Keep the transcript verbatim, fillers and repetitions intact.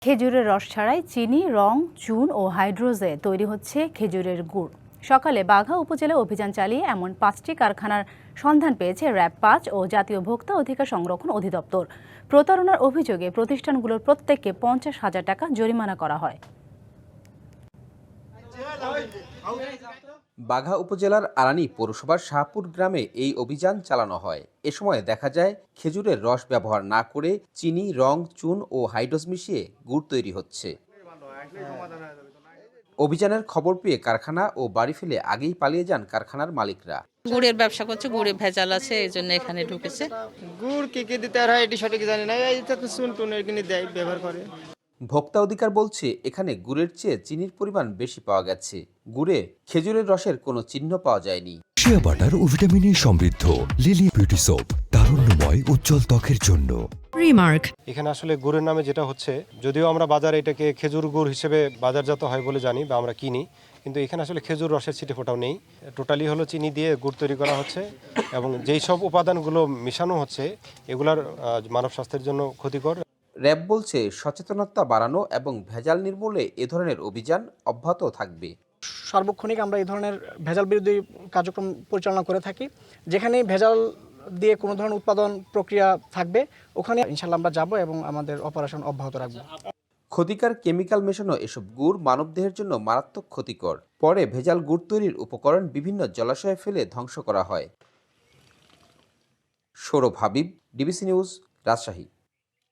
খেজুরের রস ছাড়াই চিনি, রং, চুন ও হাইড্রোজে তৈরি হচ্ছে খেজুরের গুড়। সকালে বাঘা উপজেলায় অভিযান চালিয়ে এমন পাঁচটি কারখানার সন্ধান পেয়েছে র্যাব পাঁচ ও জাতীয় ভোক্তা অধিকার সংরক্ষণ অধিদপ্তর। প্রতারণার অভিযোগে প্রতিষ্ঠানগুলোর প্রত্যেককে পঞ্চাশ হাজার টাকা জরিমানা করা হয়। বাঘা উপজেলার আরানী পৌরসভার শাহপুর গ্রামে এই অভিযান চালানো হয়। এ সময় দেখা যায় খেজুরের রস ব্যবহার না করে চিনি, রং, চুন ও হাইড্রোজ মিশিয়ে গুড় তৈরি হচ্ছে। অভিযানের খবর পেয়ে কারখানা ও বাড়ি ফেলে আগেই পালিয়ে যান কারখানার মালিকরা। গুড়ের ব্যবসা করছে, গুড়ে ভেজাল আছে, এই জন্য এখানে ঢুকেছে। গুড় কি কি দিতে হয় এটি সঠিক জানি না, এই তো চুন টুনের কিনে দেয়, ব্যবহার করে। ভোক্তা অধিকার বলছে এখানে গুড়ের চেয়ে চিনির পরিমাণ বেশি পাওয়া গেছে। গুড়ে খেজুরের রসের কোনো চিহ্ন পাওয়া যায়নি। শিয়া বাটার ও ভিটামিনে সমৃদ্ধ লিলি বিউটি সোপ, তারুণ্যময় উজ্জ্বল ত্বকের জন্য। রিমার্ক। এখানে আসলে গুড়ের নামে যেটা হচ্ছে, যদিও আমরা বাজারে এটাকে খেজুর গুড় হিসেবে বাজারজাত হয় বলে জানি বা আমরা কিনি, কিন্তু এখানে আসলে খেজুর রসের ছিটে ফোটাও নেই। টোটালি হলো চিনি দিয়ে গুড় তৈরি করা হচ্ছে এবং যেই সব উপাদানগুলো মিশানো হচ্ছে এগুলার মানব স্বাস্থ্যের জন্য ক্ষতিকর। র্যাব বলছে সচেতনতা বাড়ানো এবং ভেজাল নির্মূলে এ ধরনের অভিযান অব্যাহত থাকবে। সার্বক্ষণিক আমরা এই ধরনের ভেজাল বিরোধী কার্যক্রম পরিচালনা করে থাকি। যেখানে ভেজাল দিয়ে কোনো ধরনের উৎপাদন প্রক্রিয়া থাকবে ওখানে ইনশাল্লাহ আমরা যাব এবং আমাদের অপারেশন অব্যাহত রাখব। ক্ষতিকর কেমিক্যাল মেশানো এসব গুড় মানবদেহের জন্য মারাত্মক ক্ষতিকর। পরে ভেজাল গুড় তৈরির উপকরণ বিভিন্ন জলাশয়ে ফেলে ধ্বংস করা হয়। Sourav Habib, DBC news, Rajshahi.